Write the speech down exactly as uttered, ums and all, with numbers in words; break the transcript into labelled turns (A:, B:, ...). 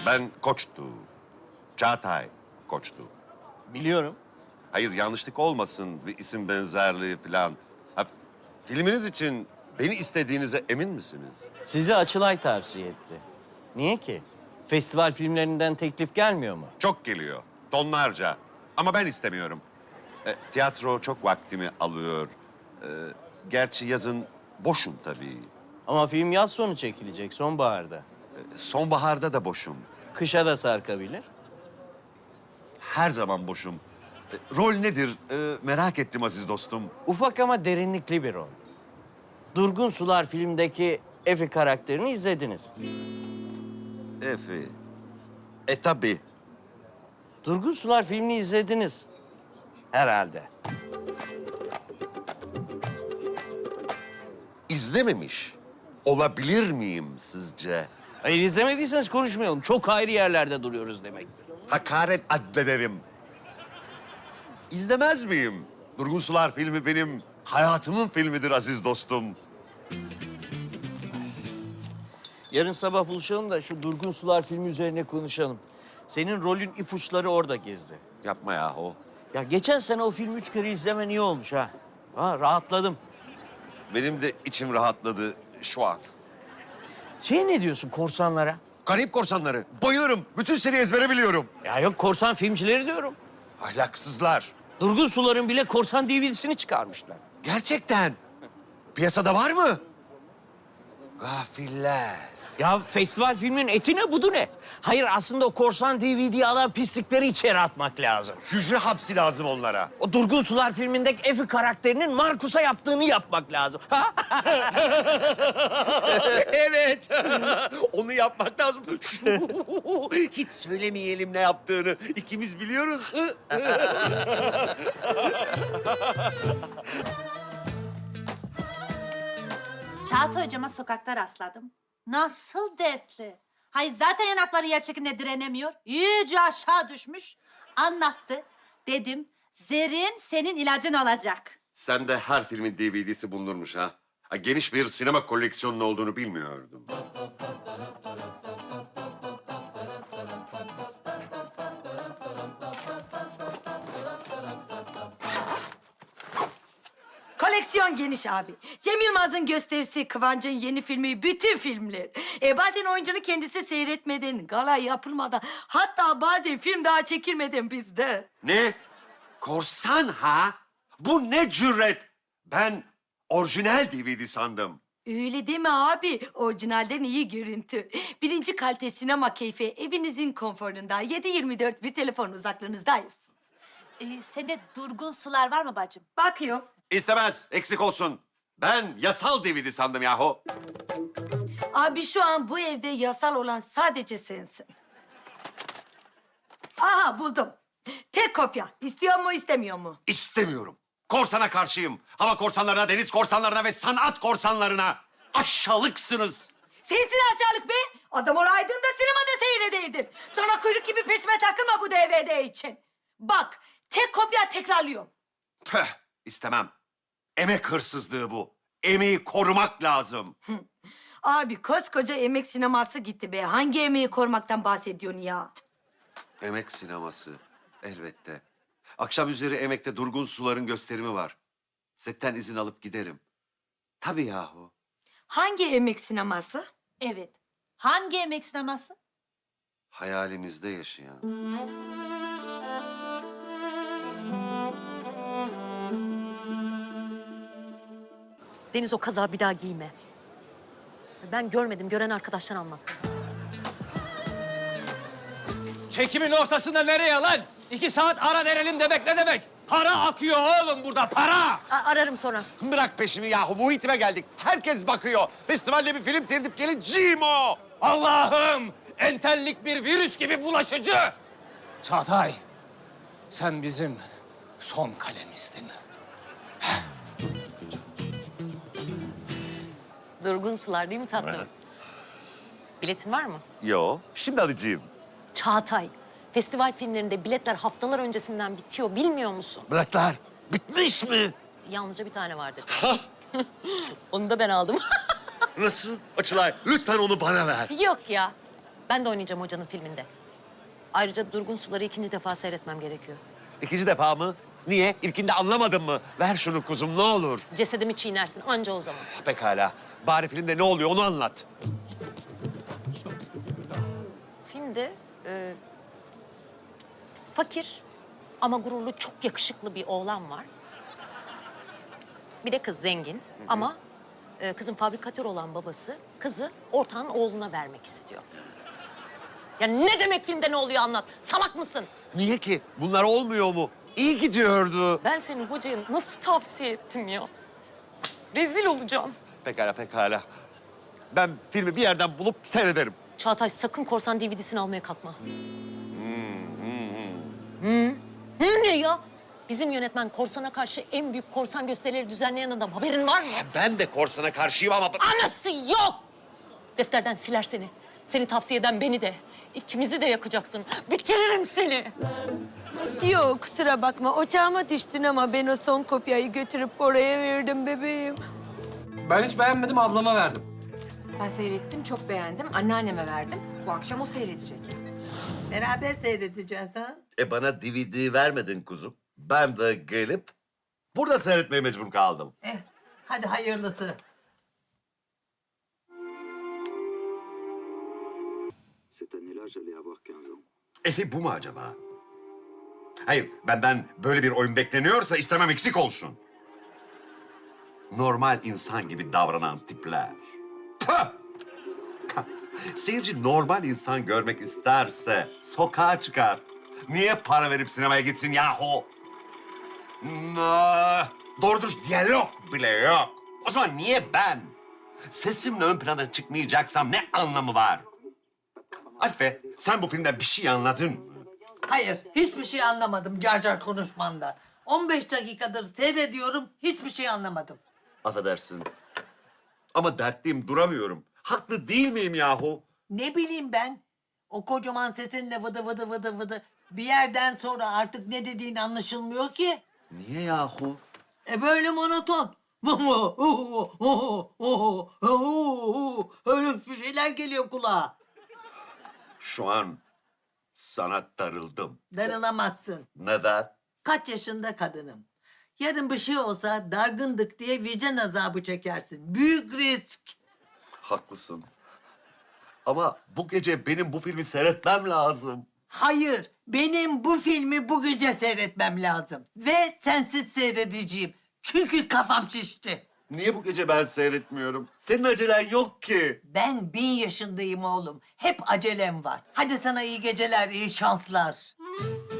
A: Ben Koç'tu. Çağatay Koç'tu.
B: Biliyorum.
A: Hayır, yanlışlık olmasın, bir isim benzerliği falan. Ha, filminiz için beni istediğinize emin misiniz?
B: Sizi Açılay tavsiye etti. Niye ki? Festival filmlerinden teklif gelmiyor mu?
A: Çok geliyor, tonlarca. Ama ben istemiyorum. E, tiyatro çok vaktimi alıyor. E, gerçi yazın boşum tabii.
B: Ama film yaz sonu çekilecek, sonbaharda.
A: E, sonbaharda da boşum.
B: Kışa da sarkabilir.
A: Her zaman boşum. E, rol nedir? E, merak ettim aziz dostum.
B: Ufak ama derinlikli bir rol. Durgun Sular filmdeki Efi karakterini izlediniz.
A: Efi. E tabii.
B: Durgun Sular filmini izlediniz. Herhalde.
A: İzlememiş olabilir miyim sizce?
B: Hayır, izlemediyseniz konuşmayalım. Çok ayrı yerlerde duruyoruz demektir.
A: Hakaret addederim. İzlemez miyim? Durgun Sular filmi benim hayatımın filmidir aziz dostum.
B: Yarın sabah buluşalım da şu Durgun Sular filmi üzerine konuşalım. Senin rolün ipuçları orada gezdi.
A: Yapma yahu.
B: Ya geçen sene o filmi üç kere izlemen iyi olmuş ha. Ha, rahatladım.
A: Benim de içim rahatladı şu an.
B: Şey ne diyorsun korsanlara?
A: Karayip Korsanları. Bayılırım. Bütün seri ezbere biliyorum.
B: Ya yok, korsan filmcileri diyorum.
A: Ahlaksızlar.
B: Durgun Sular'ın bile korsan D V D'sini çıkarmışlar.
A: Gerçekten. Piyasada var mı? Gafiller.
B: Ya festival filminin eti ne, budu ne? Hayır, aslında o korsan D V D'yi alan pislikleri içeri atmak lazım.
A: Hücre hapsi lazım onlara.
B: O Durgun Sular filmindeki Efi karakterinin Markus'a yaptığını yapmak lazım.
A: Evet. Onu yapmak lazım. Hiç söylemeyelim ne yaptığını. İkimiz biliyoruz.
C: Çağatay hocama sokakta rastladım. Nasıl dertli. Hayır, zaten yanakları yer çekimine direnemiyor. İyice aşağı düşmüş. Anlattı. Dedim, Zerrin senin ilacın olacak.
A: Sen de her filmin D V D'si bulunurmuş ha. Ha, geniş bir sinema koleksiyonun olduğunu bilmiyordum.
D: Koleksiyon geniş abi. Cem Yılmaz'ın gösterisi, Kıvancı'nın yeni filmi, bütün filmler. E bazen oyuncunun kendisi seyretmeden, gala yapılmadan, hatta bazen film daha çekilmeden bizde.
A: Ne? Korsan ha? Bu ne cüret? Ben orijinal D V D sandım.
D: Öyle deme abi. Orijinalden iyi görüntü. Birinci kalite sinema keyfi evinizin konforunda. yedi yirmi dört bir telefon uzaklığınızdayız.
C: Ee, sende durgun sular var mı bacım?
D: Bakıyor.
A: İstemez, eksik olsun. Ben yasal D V D sandım yahu.
D: Abi şu an bu evde yasal olan sadece sensin. Aha buldum. Tek kopya. İstiyor mu istemiyor mu?
A: İstemiyorum. Korsana karşıyım. Hava korsanlarına, deniz korsanlarına ve sanat korsanlarına. Aşağılıksınız.
D: Sensin aşağılık be. Adam olaydın da sinemada seyredeydin. Sonra kuyruk gibi peşime takılma bu D V D için. Bak, tek kopya tekrarlıyorum.
A: Püh, istemem. Emek hırsızlığı bu. Emeği korumak lazım.
D: Abi koskoca emek sineması gitti be. Hangi emeği korumaktan bahsediyorsun ya?
A: Emek sineması. Elbette. Akşam üzeri Emek'te Durgun Sular'ın gösterimi var. Setten izin alıp giderim. Tabii yahu.
D: Hangi emek sineması?
C: Evet. Hangi emek sineması?
A: Hayalinizde yaşayan.
E: Deniz, o kazağı bir daha giyme. Ben görmedim, gören arkadaşlar anlattı.
F: Çekimin ortasında nereye lan? İki saat ara verelim demek ne demek? Para akıyor oğlum burada, para!
E: A- ararım sonra.
A: Bırak peşimi yahu. Muhitime geldik. Herkes bakıyor. Festivalde bir film seyredip geleceğim o.
F: Allah'ım! Entellik bir virüs gibi bulaşıcı! Çağatay, sen bizim son kalemistin.
E: Durgun Sular değil mi tatlım? Biletin var mı?
A: Yo, şimdi alacağım.
E: Çağatay, festival filmlerinde biletler haftalar öncesinden bitiyor, bilmiyor musun?
A: Bıraklar. Bitmiş mi?
E: Yalnızca bir tane var dedi. Onu da ben aldım.
A: Nasıl? Açılay, lütfen onu bana ver.
E: Yok ya, Ben de oynayacağım hocanın filminde. Ayrıca Durgun Sular'ı ikinci defa seyretmem gerekiyor.
A: İkinci defa mı? Niye? İlkinde anlamadın mı? Ver şunu kuzum ne olur.
E: Cesedimi çiğnersin anca o zaman.
A: Pekala. Bari filmde ne oluyor onu anlat.
E: Filmde e, fakir ama gururlu çok yakışıklı bir oğlan var. Bir de kız zengin ama e, kızın fabrikatör olan babası kızı ortağın oğluna vermek istiyor. Ya ne demek filmde ne oluyor anlat. Salak mısın?
A: Niye ki? Bunlar olmuyor mu? İyi gidiyordu.
E: Ben seni hocaya nasıl tavsiye ettim ya? Rezil olacağım.
A: Pekala pekala. Ben filmi bir yerden bulup seyrederim.
E: Çağatay sakın korsan D V D'sini almaya kalkma. Hı. Hı ne ya? Bizim yönetmen korsana karşı en büyük korsan gösterileri düzenleyen adam. Haberin var mı?
A: Ben de korsana karşıyım ama...
E: Anası yok! Defterden siler seni. Seni tavsiye eden beni de. İkimizi de yakacaksın. Bitiririm seni.
D: Yok kusura bakma ocağıma düştün ama ben o son kopyayı götürüp oraya verdim bebeğim.
F: Ben hiç beğenmedim, ablama verdim.
G: Ben seyrettim, çok beğendim. Anneanneme verdim. Bu akşam o seyredecek.
H: Beraber seyredeceğiz ha.
A: E bana D V D vermedin kuzum. Ben de gelip burada seyretmeye mecbur kaldım.
H: Eh, hadi hayırlısı.
I: Cette année-là, j'allais avoir quinze ans.
A: Efi bu mu acaba? Hayır, benden böyle bir oyun bekleniyorsa istemem eksik olsun. Normal insan gibi davranan tipler. Pah! Pah! Seyirci normal insan görmek isterse sokağa çıkar. Niye para verip sinemaya gitsin yahu? Nah, doğru dürüst diyalog bile yok. O zaman niye ben? Sesimle ön plana çıkmayacaksam ne anlamı var? Afife, sen bu filmden bir şey anladın mı?
H: Hayır, hiçbir şey anlamadım car car konuşmanda. on beş dakikadır seyrediyorum, hiçbir şey anlamadım.
A: Affedersin. Ama dertliyim, duramıyorum. Haklı değil miyim yahu?
H: Ne bileyim ben, o kocaman sesinle vıdı vıdı vıdı vıdı. Bir yerden sonra artık ne dediğin anlaşılmıyor ki.
A: Niye yahu?
H: E böyle monoton. Öyle bir şeyler geliyor kulağa.
A: Şu an sana darıldım.
H: Darılamazsın.
A: Neden?
H: Kaç yaşında kadınım. Yarın bir şey olsa dargındık diye vicdan azabı çekersin. Büyük risk.
A: Haklısın. Ama bu gece benim bu filmi seyretmem lazım.
H: Hayır, benim bu filmi bu gece seyretmem lazım. Ve sensiz seyredeceğim. Çünkü kafam şişti.
A: Niye bu gece ben seyretmiyorum? Senin acelen yok ki.
H: Ben bin yaşındayım oğlum. Hep acelem var. Hadi sana iyi geceler, iyi şanslar.